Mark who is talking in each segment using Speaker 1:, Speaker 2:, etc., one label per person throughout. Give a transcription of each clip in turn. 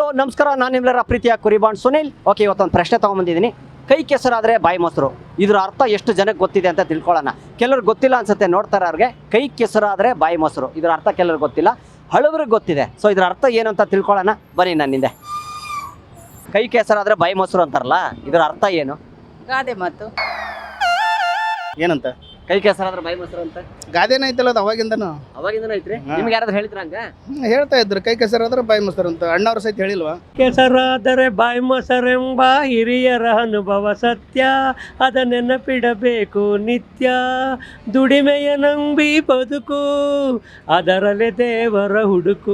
Speaker 1: ನಮಸ್ಕಾರ. ನಾನು ನಿಮ್ಮೆಲ್ಲರ ಪ್ರೀತಿಯ ಕುರಿಬಾಂಡ್ ಸುನಿಲ್. ಓಕೆ, ಇವತ್ತೊಂದು ಪ್ರಶ್ನೆ ತೊಗೊಂಬಂದಿದ್ದೀನಿ. ಕೈ ಕೆಸರಾದರೆ ಬಾಯಿ ಮೊಸರು, ಇದ್ರ ಅರ್ಥ ಎಷ್ಟು ಜನಕ್ಕೆ ಗೊತ್ತಿದೆ ಅಂತ ತಿಳ್ಕೊಳ್ಳೋಣ. ಕೆಲವ್ರಿಗೆ ಗೊತ್ತಿಲ್ಲ ಅನ್ಸುತ್ತೆ ನೋಡ್ತಾರೆ ಅವ್ರಿಗೆ. ಕೈ ಕೆಸರಾದರೆ ಬಾಯಿ ಮೊಸರು, ಇದ್ರ ಅರ್ಥ ಕೆಲವ್ರಿಗೆ ಗೊತ್ತಿಲ್ಲ, ಹಳಬ್ರಿಗೆ ಗೊತ್ತಿದೆ. ಸೊ ಇದ್ರ ಅರ್ಥ ಏನು ಅಂತ ತಿಳ್ಕೊಳ್ಳೋಣ ಬನ್ನಿ ನನ್ನಿಂದೆ. ಕೈ ಕೆಸರಾದರೆ ಬಾಯಿ ಮೊಸರು ಅಂತಾರಲ್ಲ, ಇದ್ರ ಅರ್ಥ ಏನು?
Speaker 2: ಗಾದೆ ಮಾತು.
Speaker 3: ಏನಂತ
Speaker 1: ಕೈ ಕೆಸರಾದ್ರೆ ಬಾಯಿ ಮೊಸರು ಅಂತ
Speaker 3: ಗಾದೆನ ಐತಲ್ಲ ಅದು ಅವಾಗಿಂದನು
Speaker 1: ಅವಾಗಿಂದನೂ ಐತ್ರಿ. ನಿಮ್ಗೆ ಯಾರಾದ್ರೂ ಹೇಳಿದ್ರ ಹಂಗ?
Speaker 3: ಹೇಳ್ತಾ ಇದ್ರು ಕೈ ಕೆಸರಾದ್ರೆ ಬಾಯಿ ಮೊಸರು ಅಂತ. ಅಣ್ಣವ್ರ ಸಹಿತ ಹೇಳಿಲ್ವಾ?
Speaker 4: ಕೆಸರಾದರೆ ಬಾಯಿ ಮೊಸರೆಂಬ ಹಿರಿಯರ ಅನುಭವ ಸತ್ಯ, ಅದ ನೆನಪಿಡಬೇಕು ನಿತ್ಯ. ದುಡಿಮೆಯ ನಂಬಿ ಬದುಕು, ಅದರಲ್ಲೇ ದೇವರ ಹುಡುಕು,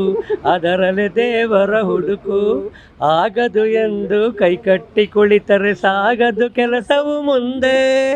Speaker 4: ಅದರಲ್ಲೇ ದೇವರ ಹುಡುಕು. ಆಗದು ಎಂದು ಕೈ ಕಟ್ಟಿ ಕುಳಿತರೆ ಸಾಗದು ಕೆಲಸವು ಮುಂದೆ,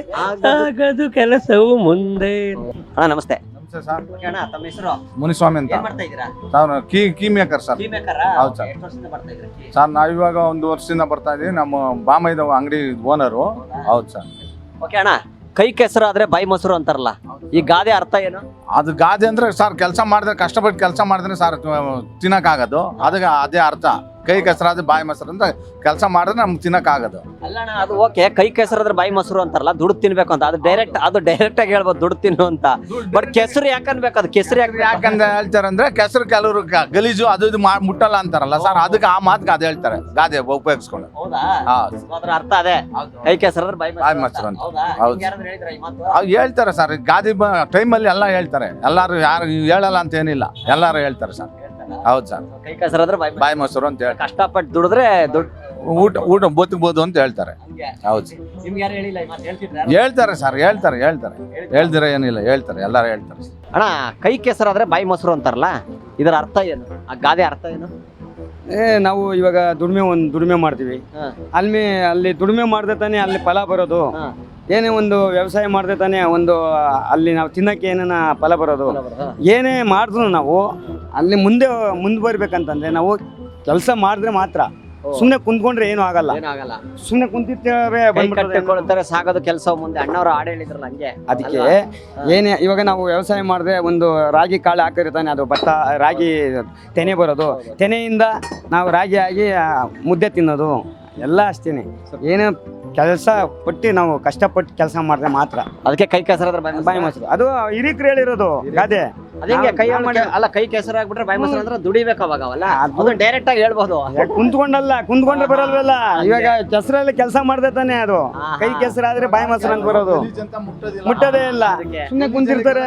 Speaker 4: ಸಾಗದು ಕೆಲಸವು ಮುಂದೆ.
Speaker 1: ಅಣ್ಣ ನಮಸ್ತೆ.
Speaker 5: ನಮಸ್ತೆ ಸರ್.
Speaker 1: ಅಣ್ಣ ತಮ್ಮ ಹೆಸರು?
Speaker 5: ಮುನಿಸ್ವಾಮಿ ಅಂತ.
Speaker 1: ಏನ್ ಮಾಡ್ತಾ ಇದ್ದೀರಾ?
Speaker 5: Sir key maker sir.
Speaker 1: Tea maker?
Speaker 5: ಹೌದು ಸರ್.
Speaker 1: ಎಷ್ಟು ವರ್ಷದಿಂದ ಬರ್ತಾ ಇದ್ದೀರಾ ಕೀ?
Speaker 5: ಸರ್ ನಾವು ಇವಾಗ 1 ವರ್ಷದಿಂದ ಬರ್ತಾ ಇದೀವಿ. ನಮ್ಮ ಬಾಮೈದ ಅಂಗಡಿ ಓನರು. ಹೌದು ಸರ್.
Speaker 1: ಓಕೆ ಅಣ್ಣ, ಕೈ ಕೆಸರಾದ್ರೆ ಬಾಯಿ ಮೊಸರು ಅಂತಾರಲ್ಲ, ಈ ಗಾದೆ ಅರ್ಥ ಏನು?
Speaker 5: ಅದು ಗಾದೆ ಅಂದ್ರೆ ಸರ್ ಕೆಲಸ ಮಾಡಿದ್ರೆ, ಕಷ್ಟಪಟ್ಟು ಕೆಲಸ ಮಾಡಿದ್ರೆ ಸರ್ ತಿನ್ನಕ್ಕಾಗೋದು. ಅದಕ್ಕೆ ಅದೇ ಅರ್ಥ. ಕೈ ಕೆಸರಾದ್ರೆ ಬಾಯಿ ಮೊಸರು ಅಂತ ಕೆಲಸ ಮಾಡಿದ್ರೆ ನಮ್ಗೆ ತಿನ್ನಕ್ಕಾಗೋದು.
Speaker 1: ಅಲ್ಲಣ್ಣ, ಅದು ಓಕೆ, ಕೈ ಕೆಸರಾದ್ರೆ ಬಾಯಿ ಮೊಸರು ಅಂತಾರಲ್ಲ, ದುಡ್ಡು ತಿನ್ಬೇಕು ಅಂತ. ಅದು ಡೈರೆಕ್ಟ್ ಆಗಿ ಹೇಳ್ಬೋದು ದುಡ್ಡು ತಿನ್ನು ಅಂತ. ಬಟ್ ಕೆಸರು ಯಾಕನ್ಬೇಕು? ಅದು ಕೆಸರು
Speaker 5: ಯಾಕಂದ್ರೆ ಹೇಳ್ತಾರೆ ಅಂದ್ರೆ ಕೆಸರು ಕೆಲವರು ಗಲೀಜು ಅದು ಇದು ಮುಟ್ಟಲ್ಲ ಅಂತಾರಲ್ಲ ಸರ್, ಅದಕ್ಕೆ ಆ ಮಾತಿಗೆ ಅದು ಹೇಳ್ತಾರೆ ಗಾದೆ ಉಪಯೋಗಿಸ್ಕೊಂಡು.
Speaker 1: ಹೌದಾ?
Speaker 5: ಹೌದು.
Speaker 1: ಅದ್ರ ಅರ್ಥ ಅದೇ, ಕೈ ಕೆಸರಾದ್ರೆ ಬಾಯಿ
Speaker 5: ಬಾಯಿ ಮೊಸರು ಅಂತ.
Speaker 1: ಹೌದಾ?
Speaker 5: ಹೌದು.
Speaker 1: ಯಾರಾದ್ರೂ ಹೇಳಿದ್ರಾ ಈ ಮಾತು?
Speaker 5: ಅವ್ರು ಹೇಳ್ತಾರೆ ಸರ್, ಗಾದೆ ಟೈಮಲ್ಲಿ ಎಲ್ಲ ಹೇಳ್ತಾರೆ. ಎಲ್ಲಾರು ಯಾರು ಹೇಳಲ್ಲ ಅಂತ ಏನಿಲ್ಲ, ಎಲ್ಲಾರು ಹೇಳ್ತಾರೆ ಸರ್. ಹೌದು ಸರ್.
Speaker 1: ಕೈ ಕೆಸರಾದ್ರೆ
Speaker 5: ಬಾಯಿ ಮೊಸರು ಅಂತ ಹೇಳಿ
Speaker 1: ಕಷ್ಟಪಟ್ಟು ದುಡಿದ್ರೆ
Speaker 5: ಊಟ ಬದುಕಬಹುದು ಅಂತ ಹೇಳ್ತಾರೆ. ಹೌದು ಸರ್.
Speaker 1: ನಿಮ್ಗೆ ಯಾರು ಹೇಳಿಲ್ಲ ಈ ಮಾತು? ಹೇಳ್ತಿದ್ರಾ?
Speaker 5: ಹೇಳ್ತಾರೆ ಸರ್, ಹೇಳ್ತಾರೆ ಹೇಳ್ದಿರ ಏನಿಲ್ಲ, ಹೇಳ್ತಾರೆ, ಎಲ್ಲಾರು ಹೇಳ್ತಾರೆ.
Speaker 1: ಅಣ್ಣ, ಕೈ ಕೆಸರಾದ್ರೆ ಬಾಯಿ ಮೊಸರು ಅಂತಾರಲ್ಲ, ಇದರ ಅರ್ಥ ಏನು? ಆ ಗಾದೆ ಅರ್ಥ ಏನು?
Speaker 4: ನಾವು ಇವಾಗ ದುಡಿಮೆ ಮಾಡ್ತೀವಿ. ಅಲ್ಲಿ ದುಡಿಮೆ ಮಾಡಿದ್ರೆ ತಾನೇ ಅಲ್ಲಿ ಫಲ ಬರೋದು. ಏನೇ ಒಂದು ವ್ಯವಸಾಯ ಮಾಡಿದ್ರೆ ತಾನೇ ಒಂದು ಅಲ್ಲಿ ನಾವು ತಿನ್ನಕ್ಕೆ ಏನೇನ ಫಲ ಬರೋದು. ಏನೇ ಮಾಡಿದ್ರು ನಾವು ಅಲ್ಲಿ ಮುಂದೆ ಬರ್ಬೇಕಂತಂದ್ರೆ ನಾವು ಕೆಲಸ ಮಾಡಿದ್ರೆ ಮಾತ್ರ. ಸುಮ್ಮನೆ ಕುಂತ್ಕೊಂಡ್ರೆ ಏನು ಆಗಲ್ಲ. ಸುಮ್ಮನೆ ಕುಂತಿರ್ತೇವೆ
Speaker 1: ಸಾಗೋದು ಕೆಲಸ ಮುಂದೆ. ಅಣ್ಣವ್ರು ಹಾಡು ಹೇಳಿದ್ರಲ್ಲ ಹಂಗೆ.
Speaker 4: ಅದಕ್ಕೆ ಏನೇ ಇವಾಗ ನಾವು ವ್ಯವಸಾಯ ಮಾಡಿದ್ರೆ ಒಂದು ರಾಗಿ ಕಾಳು ಹಾಕಿರ್ತಾನೆ, ಅದು ಭತ್ತ ರಾಗಿ ತೆನೆ ಬರೋದು. ತೆನೆಯಿಂದ ನಾವು ರಾಗಿ ಆಗಿ ಮುದ್ದೆ ತಿನ್ನೋದು ಎಲ್ಲ ಅಷ್ಟೇನೆ. ಏನು ಕೆಲಸ ಪಟ್ಟು ನಾವು ಕಷ್ಟಪಟ್ಟು ಕೆಲಸ ಮಾಡಿದ್ರೆ ಮಾತ್ರ.
Speaker 1: ಅದಕ್ಕೆ ಕೈ ಕೆಸರಾದ್ರೆ
Speaker 4: ಬಾಯಿ ಮೊಸರು. ಅದು ಹಿರಿಕರು ಹೇಳಿರೋದು ಗಾದೆ.
Speaker 1: ಅದೇ ಕೈ ಅಲ್ಲ, ಕೈ ಕೆಸರಾಗ್ಬಿಟ್ರೆ ಬಾಯಿ ಮೊಸರು ಅಂದ್ರೆ ದುಡಿಬೇಕು ಅವಾಗ. ಅವಲ್ಲ ಅದು ಡೈರೆಕ್ಟ್ ಆಗಿ ಹೇಳ್ಬೋದು.
Speaker 4: ಕುಂತ್ಕೊಂಡ್ರೆ ಬರಲ್ವಲ್ಲ. ಇವಾಗ ಕೆಸರಲ್ಲಿ ಕೆಲಸ ಮಾಡಿದ್ರೆ ತಾನೆ ಅದು. ಕೈ ಕೆಸರಾದ್ರೆ ಬಾಯಿ ಮೊಸರು ಅಂತ ಬರೋದು. ಮುಟ್ಟೋದೇ ಇಲ್ಲ, ಸುಮ್ಮನೆ ಕುಂತಿರ್ತಾರೆ.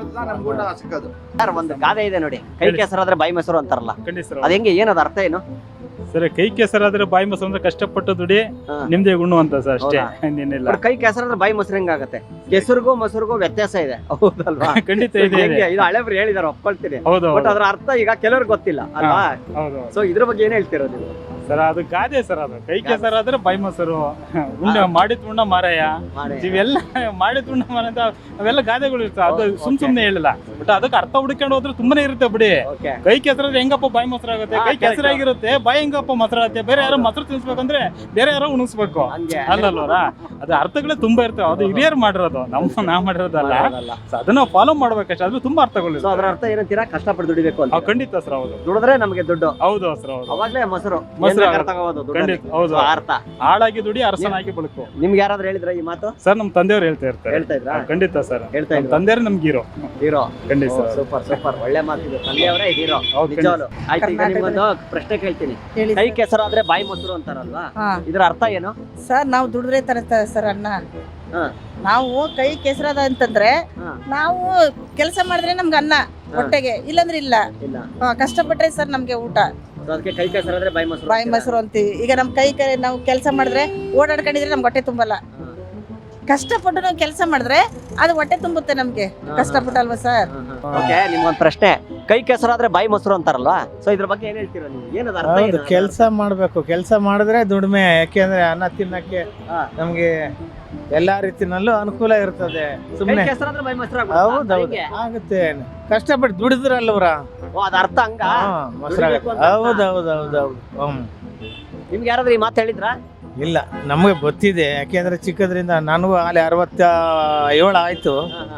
Speaker 1: ಒಂದು ಗಾದೆ ಇದೆ ನೋಡಿ, ಕೈ ಕೆಸರಾದ್ರೆ ಬಾಯಿ ಮೊಸರು ಅಂತಾರಲ್ಲ, ಅದ ಹೆಂಗೆ? ಏನದ ಅರ್ಥ ಏನು
Speaker 6: ಸರ್? ಕೈ ಕೆಸರಾದ್ರೆ ಬಾಯಿ ಮೊಸರು ಅಂದ್ರೆ ಕಷ್ಟಪಟ್ಟು ದುಡಿ ನಿಮ್ದೇ ಗುಣ ಅಂತ ಸರ್, ಅಷ್ಟೇ, ಇನ್ನೇನಿಲ್ಲ.
Speaker 1: ಕೈ ಕೆಸರಾದ್ರೆ ಬಾಯಿ ಮೊಸರು ಹೆಂಗಾಗತ್ತೆ? ಕೆಸರಿಗೂ ಮೊಸರಿಗೂ ವ್ಯತ್ಯಾಸ ಇದೆ, ಹೌದಲ್ವಾ?
Speaker 6: ಖಂಡಿತ ಇದೆ.
Speaker 1: ಇದು ಹಳೆಬ್ರು ಹೇಳಿದಾರೆ, ಒಪ್ಕೊಳ್ತೀನಿ.
Speaker 6: ಹೌದು.
Speaker 1: ಬಟ್ ಅದ್ರ ಅರ್ಥ ಈಗ ಕೆಲವ್ರಿಗೆ ಗೊತ್ತಿಲ್ಲ ಅಲ್ವಾ?
Speaker 6: ಹೌದು.
Speaker 1: ಸೊ ಇದ್ರ ಬಗ್ಗೆ ಏನ್ ಹೇಳ್ತೀರೋ ನೀವು?
Speaker 6: ಸರ್ ಅದು ಗಾದೆ ಸರ್. ಅದು ಕೈ ಕೆಸರಾದ್ರೆ ಬಾಯಿ ಮೊಸರು, ಉಂಡೆ ಮಾಡಿದ ಉಂಡ ಮಾರಾಯ, ಇವೆಲ್ಲ ಮಾಡಿದ ಉಂಡ ಮಾರ ಅಂತ ಅವೆಲ್ಲ ಗಾದೆಗಳು ಇರ್ತವೆ. ಅದು ಸುಮ್ನೆ ಹೇಳಿಲ್ಲ, ಬಟ್ ಅದಕ್ಕೆ ಅರ್ಥ ಹುಡ್ಕೊಂಡು ಹೋದ್ರೆ ತುಂಬಾನೇ ಇರುತ್ತೆ ಬಿಡಿ. ಕೈ ಕೆಸರಾದ್ರೆ ಹೆಂಗಪ್ಪ ಬಾಯಿ ಮೊಸರು ಆಗುತ್ತೆ? ಕೈ ಕೆಸರಾಗಿರುತ್ತೆ, ಬಾಯಿ ಹೆಂಗಪ್ಪ ಮೊಸರು ಆಗುತ್ತೆ? ಬೇರೆ ಯಾರೋ ಮೊಸರು ತಿನ್ಸ್ಬೇಕಂದ್ರೆ ಬೇರೆ ಯಾರೋ ಉಣಿಸ್ಬೇಕು, ಅಲ್ಲಲ್ವರ? ಅದು ಅರ್ಥಗಳೇ ತುಂಬಾ ಇರ್ತವೆ. ಅದು ಹಿರಿಯರು ಮಾಡಿರೋದು, ನಾವ್ ಮಾಡಿರೋದಲ್ಲ. ಅದನ್ನ ಫಾಲೋ ಮಾಡ್ಬೇಕಷ್ಟೇ. ಅದ್ರ ತುಂಬಾ ಅರ್ಥಗಳು.
Speaker 1: ಅದ್ರ ಅರ್ಥ ಏನಂತೀರಾ? ಕಷ್ಟಪಟ್ಟು ದುಡಿಬೇಕು ಅಂತ.
Speaker 6: ಖಂಡಿತ ಸರ್. ಹೌದು.
Speaker 1: ದುಡಿದ್ರೆ ನಮಗೆ ದುಡ್ಡು.
Speaker 6: ಹೌದು ಸರ್. ಹೌದು.
Speaker 1: ಅವಾಗ್ಲೇ ಮೊಸರು
Speaker 6: ಖಂಡಿತ. ಹೌದು.
Speaker 1: ಅರ್ಥ
Speaker 6: ಹಾಳಾಗಿ ದುಡಿ, ಅರಸನಾಗಿ ಬದುಕು.
Speaker 1: ನಿಮ್ಗೆ ಯಾರಾದ್ರೂ ಹೇಳಿದ್ರ ಈ ಮಾತು?
Speaker 6: ಸರ್ ನಮ್ಮ ತಂದೆಯವರು ಹೇಳ್ತಾ ಇರ್ತಾರೆ.
Speaker 1: ಹೇಳ್ತಾ ಇದ್ರಾ?
Speaker 6: ಖಂಡಿತ ಸರ್.
Speaker 1: ಹೇಳ್ತಾ ಇದ್ರು.
Speaker 6: ತಂದೆಯವರು ನಮ್ಗೆ ಹೀರೋ. ಖಂಡಿತ ಸರ್.
Speaker 1: ಸೂಪರ್ ಒಳ್ಳೆ ಮಾತಿದೆ. ತಂದೆಯವರೇ ಹೀರೋ ನಿಜವಾಗ್ಲೂ. ಆಯ್ತು, ಈಗ ನಿಮ್ಗೊಂದು ಪ್ರಶ್ನೆ ಕೇಳ್ತೀನಿ. ಕೈ ಕೆಸರಾದ್ರೆ ಬಾಯಿ ಮೊಸರು ಅಂತಾರಲ್ವಾ, ಇದ್ರ ಅರ್ಥ ಏನು?
Speaker 2: ಸರ್ ನಾವು ದುಡಿದ್ರೆ ತರ್ತಾರೆ ಸರ್ ಅಣ್ಣ. ನಾವು ಕೈ ಕೆಸರಾದ ಅಂತಂದ್ರೆ ನಾವು ಕೆಲಸ ಮಾಡಿದ್ರೆ ನಮ್ಗೆ ಅನ್ನ ಹೊಟ್ಟೆಗೆ, ಇಲ್ಲಂದ್ರೆ ಇಲ್ಲ. ಕಷ್ಟಪಟ್ರೆ ಸರ್ ನಮ್ಗೆ ಊಟ.
Speaker 1: ಅದಕ್ಕೆ ಕೈ ಕೆಸರಾದ್ರೆ
Speaker 2: ಬಾಯಿ ಮೊಸರು ಅಂತೀವಿ. ಈಗ ನಮ್ ನಾವು ಕೆಲಸ ಮಾಡಿದ್ರೆ ಓಡಾಡ್ಕೊಂಡಿದ್ರೆ ನಮ್ಗೆ ಹೊಟ್ಟೆ ತುಂಬಲ್ಲ. ಕಷ್ಟಪಟ್ಟು ನಾವು ಕೆಲಸ ಮಾಡಿದ್ರೆ ಅದು ಹೊಟ್ಟೆ ತುಂಬುತ್ತೆ ನಮ್ಗೆ. ಕಷ್ಟಪಟ್ಟಲ್ವಾ ಸರ್?
Speaker 1: ಓಕೆ, ನಿಮ್ಗೊಂದು ಪ್ರಶ್ನೆ. ಕೈ ಕೆಸರಾದ್ರೆ ಬಾಯಿ ಮೊಸರು ಅಂತಾರಲ್ವಾ, ಸೊ ಇದ್ರ ಬಗ್ಗೆ ಏನ್ ಹೇಳ್ತೀರಾ ನೀವು? ಏನದ ಅರ್ಥ?
Speaker 7: ಹೌದು, ಕೆಲಸ ಮಾಡ್ಬೇಕು. ಕೆಲಸ ಮಾಡಿದ್ರೆ ದುಡಿಮೆ. ಯಾಕೆಂದ್ರೆ ಅನ್ನ ತಿನ್ನಕ್ಕೆ ನಮ್ಗೆ ಎಲ್ಲಾ ರೀತಿನಲ್ಲೂ ಅನುಕೂಲ ಇರ್ತದೆ. ಸುಮ್ನೆ ಹೌದೌದು ಆಗುತ್ತೆ. ಕಷ್ಟಪಟ್ಟು ದುಡಿದ್ರಲ್ವ್ರ,
Speaker 1: ಅದ ಅರ್ಥ ಹಂಗ
Speaker 7: ಮೊಸರು. ಹೌದೌದೌದೌದು.
Speaker 1: ನಿಮ್ಗೆ ಯಾರಾದ್ರೂ ಈ ಮಾತು ಹೇಳಿದ್ರಾ?
Speaker 7: ಇಲ್ಲ, ನಮಗೆ ಗೊತ್ತಿದೆ. ಯಾಕೆಂದ್ರೆ ಚಿಕ್ಕದ್ರಿಂದ ನನಗೂ ಅಲ್ಲಿ 67 ಆಯ್ತು.